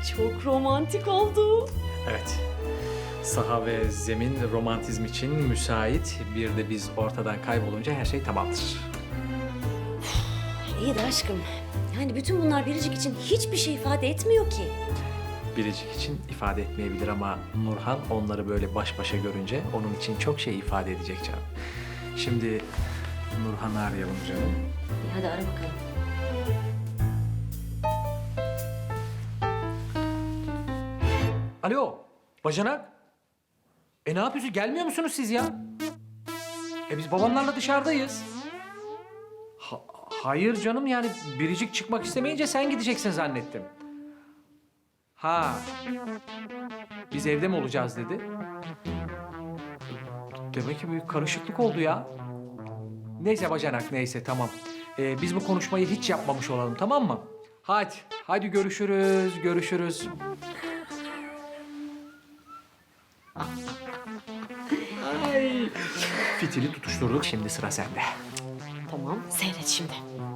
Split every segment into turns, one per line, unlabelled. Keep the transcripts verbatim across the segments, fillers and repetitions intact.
Çok romantik oldu.
Evet. Saha ve zemin romantizm için müsait. Bir de biz ortadan kaybolunca her şey tamamdır.
İyi de aşkım. Yani bütün bunlar Biricik için hiçbir şey ifade etmiyor ki.
Biricik için ifade etmeyebilir ama Nurhan onları böyle baş başa görünce onun için çok şey ifade edecek canım. Şimdi Nurhan'ı arayalım canım.
İyi, hadi ara bakalım.
Alo, bacanak. E ne yapıyorsunuz? Gelmiyor musunuz siz ya? E biz babamlarla dışarıdayız. Ha- hayır canım yani Biricik çıkmak istemeyince sen gideceksin zannettim. Ha. Biz evde mi olacağız dedi. Demek ki büyük karışıklık oldu ya. Neyse bacanak neyse tamam. Ee, biz bu konuşmayı hiç yapmamış olalım tamam mı? Hadi, hadi görüşürüz, görüşürüz. Ay. Fitili tutuşturduk, şimdi sıra sende.
Tamam, seyret şimdi.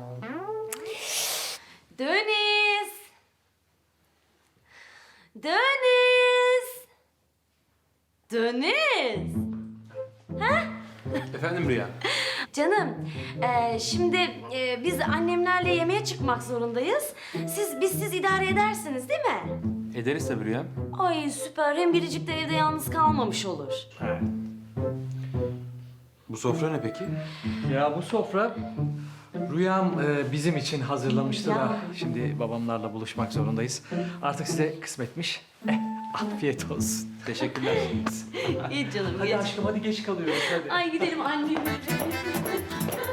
Deniz! Deniz! Deniz!
Efendim Rüya?
Canım, e, şimdi e, biz annemlerle yemeğe çıkmak zorundayız. Siz, biz siz idare edersiniz değil mi?
Ederiz tabii Rüya.
Ay süper, hem Biricik de evde yalnız kalmamış olur.
Evet.
Bu sofra ne peki?
Ya bu sofra Rüyam e, bizim için hazırlamıştı
Ya.
da şimdi babamlarla buluşmak zorundayız. Artık size kısmetmiş. Eh, afiyet olsun.
Teşekkürler.
İyi canım,
Hadi
geç.
aşkım hadi geç kalıyoruz hadi.
Ay gidelim annem.